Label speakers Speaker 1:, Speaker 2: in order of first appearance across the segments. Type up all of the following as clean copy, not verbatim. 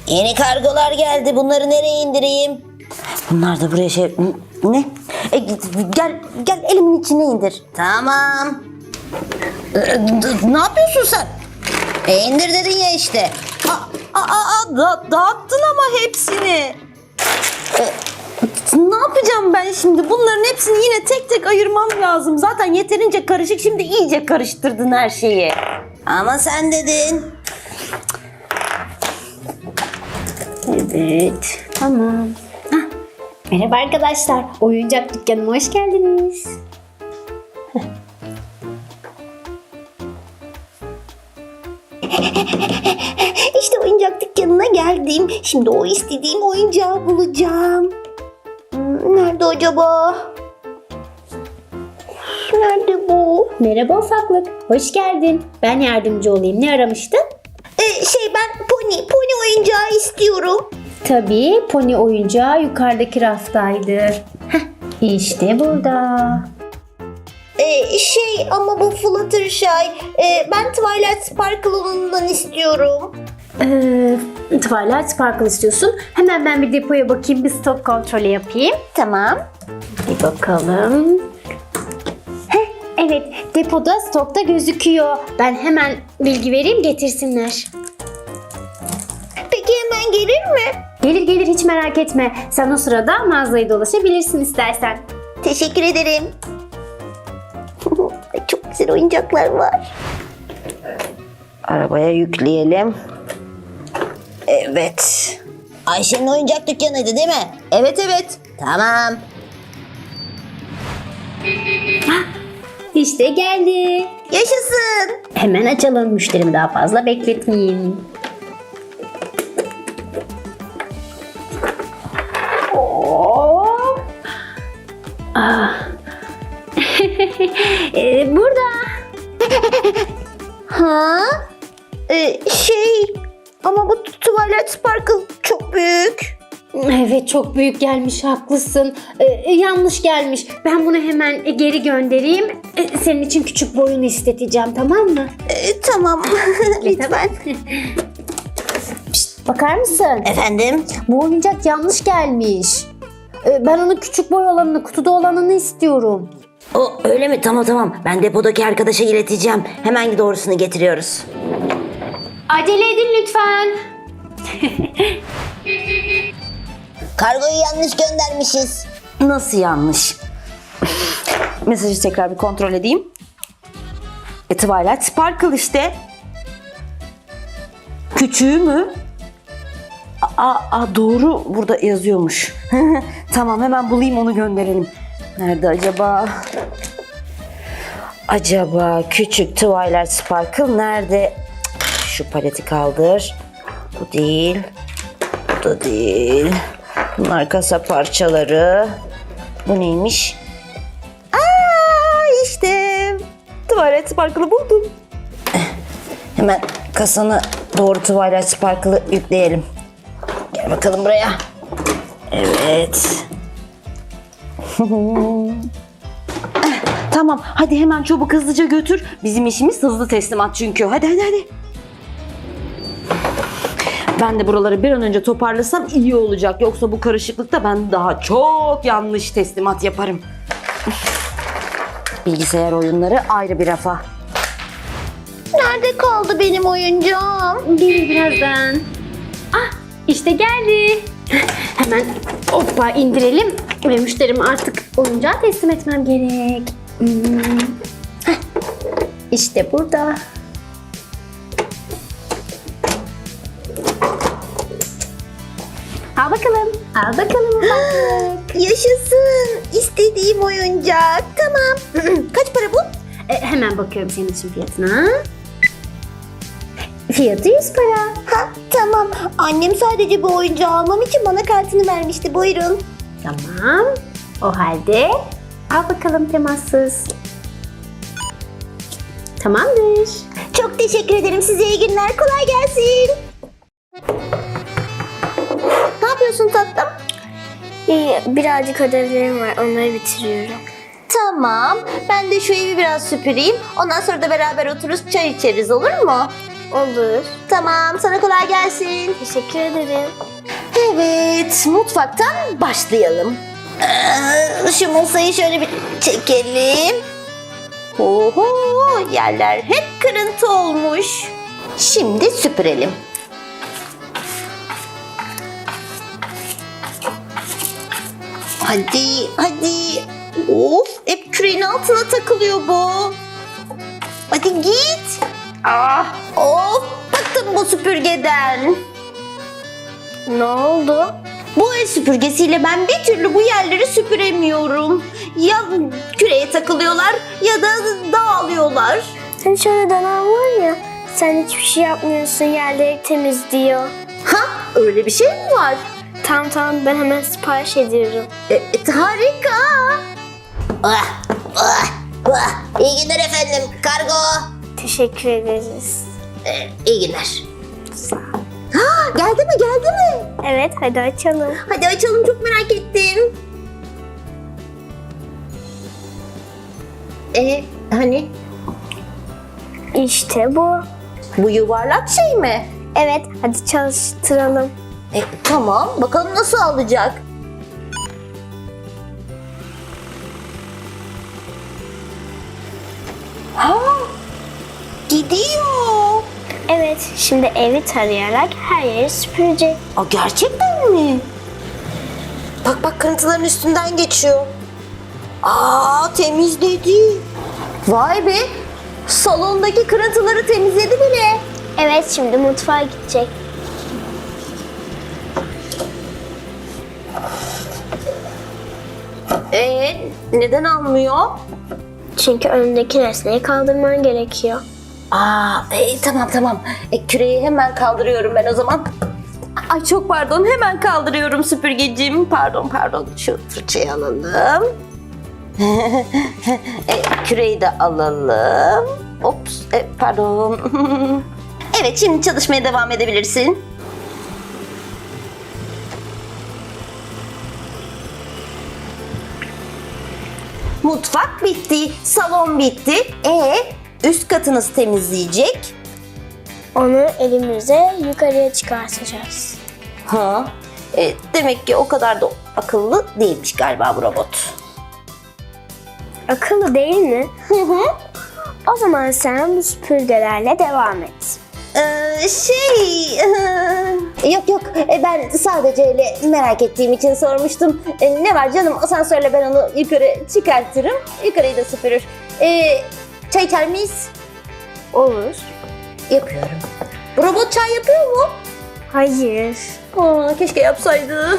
Speaker 1: Yeni kargolar geldi. Bunları nereye indireyim? Bunlar da buraya şey... Ne? Gel elimin içine indir. Tamam. Ne yapıyorsun sen? İndir dedin ya işte.
Speaker 2: Dağıttın ama hepsini. Ne yapacağım ben şimdi? Bunların hepsini yine tek tek ayırmam lazım. Zaten yeterince karışık. Şimdi iyice karıştırdın her şeyi.
Speaker 1: Ama sen dedin.
Speaker 2: Evet.
Speaker 3: Tamam. Merhaba arkadaşlar. Oyuncak dükkanıma hoş geldiniz.
Speaker 1: İşte oyuncak dükkanına geldim. Şimdi o istediğim oyuncağı bulacağım. Nerede acaba? Nerede bu?
Speaker 3: Merhaba ufaklık. Hoş geldin. Ben yardımcı olayım. Ne aramıştın?
Speaker 1: Ben pony oyuncağı istiyorum.
Speaker 3: Tabii pony oyuncağı yukarıdaki raftaydı. İşte burada.
Speaker 1: Ama bu Fluttershy. Ben Twilight Sparkle'ından istiyorum.
Speaker 3: Twilight Sparkle istiyorsun. Hemen ben bir depoya bakayım. Bir stok kontrolü yapayım.
Speaker 1: Tamam.
Speaker 3: Bir bakalım. Evet, depoda stokta gözüküyor. Ben hemen bilgi vereyim, getirsinler.
Speaker 1: Peki hemen gelir mi?
Speaker 3: Gelir hiç merak etme. Sen o sırada mağazayı dolaşabilirsin istersen.
Speaker 1: Teşekkür ederim. Çok güzel oyuncaklar var. Arabaya yükleyelim. Evet. Ayşe'nin oyuncak dükkanıydı değil mi? Evet. Tamam.
Speaker 3: İşte geldi.
Speaker 1: Yaşasın.
Speaker 3: Hemen açalım, müşterimi daha fazla bekletmeyeyim. Burada.
Speaker 1: Ha? Ama bu Twilight Sparkle çok büyük.
Speaker 3: Evet, çok büyük gelmiş, haklısın. Yanlış gelmiş. Ben bunu hemen geri göndereyim. Senin için küçük boyunu isteteceğim, tamam mı?
Speaker 1: Tamam. Lütfen.
Speaker 3: Pişt, bakar mısın?
Speaker 1: Efendim?
Speaker 3: Bu oyuncak yanlış gelmiş. Ben onun küçük boy olanını, kutuda olanını istiyorum.
Speaker 1: Öyle mi? Tamam. Ben depodaki arkadaşa ileteceğim. Hemen doğrusunu getiriyoruz.
Speaker 3: Acele edin lütfen.
Speaker 1: Kargoyu yanlış göndermişiz.
Speaker 2: Nasıl yanlış? Mesajı tekrar bir kontrol edeyim. Twilight Sparkle işte. Küçüğü mü? Doğru, burada yazıyormuş. Tamam, hemen bulayım, onu gönderelim. Nerede acaba? Küçük Twilight Sparkle nerede? Şu paleti kaldır. Bu değil. Bu da değil. Bunlar kasa parçaları. Bu neymiş? İşte Twilight Sparkle'ı buldum.
Speaker 1: Hemen kasanı doğru Twilight Sparkle'ı yükleyelim. Gel bakalım buraya. Evet.
Speaker 2: Tamam, hadi hemen çabuk hızlıca götür. Bizim işimiz hızlı teslimat çünkü. Hadi. Ben de buraları bir an önce toparlasam iyi olacak. Yoksa bu karışıklıkta ben daha çok yanlış teslimat yaparım. Bilgisayar oyunları ayrı bir rafa.
Speaker 1: Nerede kaldı benim oyuncağım?
Speaker 3: Gelir birazdan. İşte geldi. Hemen hoppa indirelim ve müşterime artık oyuncağı teslim etmem gerek. İşte burada. Al bakalım ufaklık.
Speaker 1: Yaşasın. İstediğim oyuncak. Tamam. Kaç para bu?
Speaker 3: Hemen bakıyorum senin için fiyatına. Fiyatı 100 para.
Speaker 1: Tamam. Annem sadece bu oyuncağı almam için bana kartını vermişti. Buyurun.
Speaker 3: Tamam. O halde al bakalım temassız. Tamamdır.
Speaker 1: Çok teşekkür ederim. Size iyi günler. Kolay gelsin. Ne yapıyorsun tatlım?
Speaker 4: Birazcık ödevlerim var. Onları bitiriyorum.
Speaker 1: Tamam. Ben de şu evi biraz süpüreyim. Ondan sonra da beraber otururuz, çay içeriz, olur mu?
Speaker 4: Olur.
Speaker 1: Tamam, sana kolay gelsin.
Speaker 4: Teşekkür ederim.
Speaker 1: Evet, mutfaktan başlayalım. Şu masayı şöyle bir çekelim. Oho, yerler hep kırıntı olmuş. Şimdi süpürelim. Hadi, hadi. Of, hep küreğin altına takılıyor bu. Hadi git. Ah, of, bıktım bu süpürgeden.
Speaker 4: Ne oldu?
Speaker 1: Bu el süpürgesiyle ben bir türlü bu yerleri süpüremiyorum. Ya küreye takılıyorlar ya da dağılıyorlar.
Speaker 4: Senin şöyle dönem var ya, sen hiçbir şey yapmıyorsun, yerleri temizliyor.
Speaker 1: Ha, öyle bir şey mi var?
Speaker 4: Tamam, ben hemen sipariş ediyorum.
Speaker 1: Harika. İyi günler efendim, kargo.
Speaker 4: Teşekkür ederiz.
Speaker 1: İyi günler. Ha, geldi mi?
Speaker 4: Evet, hadi açalım.
Speaker 1: Hadi açalım, çok merak ettim. Hani
Speaker 4: İşte bu.
Speaker 1: bu yuvarlak şey mi?
Speaker 4: Evet, hadi çalıştıralım.
Speaker 1: Tamam, bakalım nasıl alacak. Ha, gidiyor.
Speaker 4: Evet, şimdi evi tarayarak her yeri süpürecek.
Speaker 1: Gerçekten mi? Bak kırıntıların üstünden geçiyor. Temizledi. Vay be, salondaki kırıntıları temizledi bile.
Speaker 4: Evet, şimdi mutfağa gidecek.
Speaker 1: Neden almıyor?
Speaker 4: Çünkü önündeki nesneyi kaldırman gerekiyor.
Speaker 1: Tamam. Küreği hemen kaldırıyorum ben o zaman. Ay çok pardon, hemen kaldırıyorum süpürgecim. Pardon. Şu fırçayı alalım. Küreği de alalım. Ops, pardon. Evet, şimdi çalışmaya devam edebilirsin. Mutfak bitti, salon bitti. Üst katınız temizleyecek.
Speaker 4: Onu elimize yukarıya çıkartacağız.
Speaker 1: Demek ki o kadar da akıllı değilmiş galiba bu robot.
Speaker 4: Akıllı değil mi? O zaman sen bu süpürgelerle devam et.
Speaker 1: Yok, ben sadece öyle merak ettiğim için sormuştum. Ne var canım, asansörle ben onu yukarı çıkartırım. Yukarıyı da süpürür. Çay içer miyiz?
Speaker 4: Olur.
Speaker 1: Yapıyorum. Bu robot çay yapıyor mu?
Speaker 4: Hayır.
Speaker 1: Keşke yapsaydı.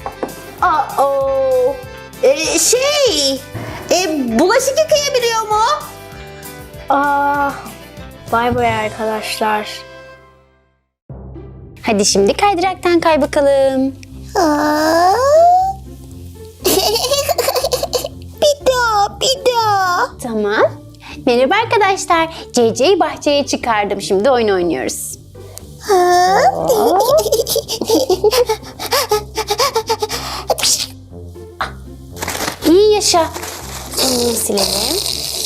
Speaker 1: Bulaşık yıkayabiliyor mu?
Speaker 4: Bay bay arkadaşlar.
Speaker 3: Hadi şimdi kaydıraktan kay bakalım.
Speaker 1: Bir daha.
Speaker 3: Tamam. Merhaba arkadaşlar. CC'yi bahçeye çıkardım. Şimdi oyun oynuyoruz. İyi yaşa. Bunu silelim.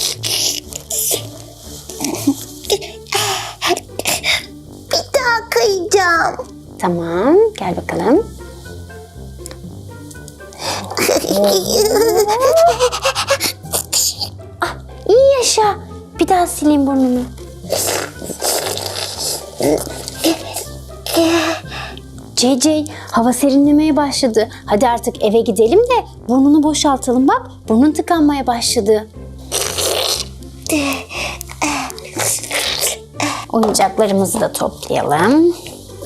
Speaker 1: Bir daha kayacağım.
Speaker 3: Tamam. Gel bakalım. İyi yaşa. Bir daha sileyim burnunu. CC, hava serinlemeye başladı. Hadi artık eve gidelim de burnunu boşaltalım. Bak, burnun tıkanmaya başladı. Oyuncaklarımızı da toplayalım.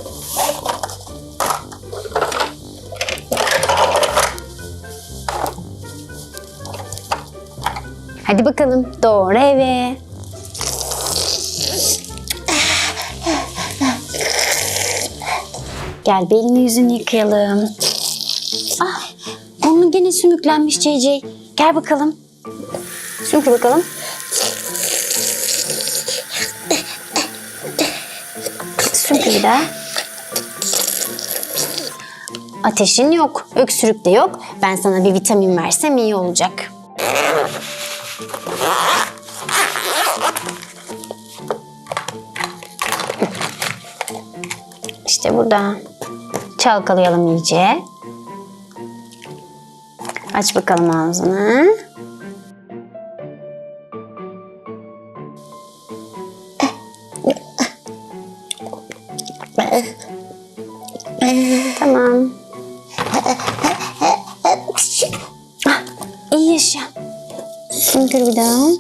Speaker 3: Hadi bakalım, doğru eve. Gel, bir elini yüzünü yıkayalım. Burnun gene sümüklenmiş CC. Gel bakalım. Sümkü bakalım. Sümkü bir daha. Ateşin yok, öksürük de yok. Ben sana bir vitamin versem iyi olacak. İşte burada. Çalkalayalım iyice. Aç bakalım ağzını. Tamam. Ah, iyi yaşa. Şimdi bir daha.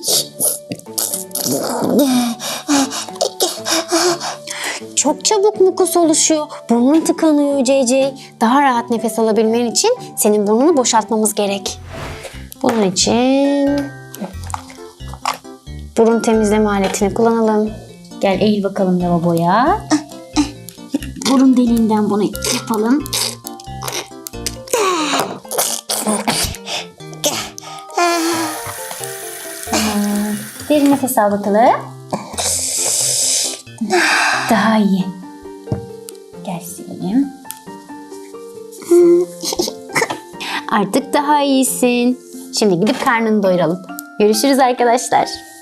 Speaker 3: Çok çabuk mukus oluşuyor. Burnun tıkanıyor CC. Daha rahat nefes alabilmen için senin burnunu boşaltmamız gerek. Bunun için burun temizleme aletini kullanalım. Gel eğil bakalım lavaboya. Burun deliğinden bunu yapalım. Derin nefes al bakalım. Daha iyi. Gel silelim. Artık daha iyisin. Şimdi gidip karnını doyuralım. Görüşürüz arkadaşlar.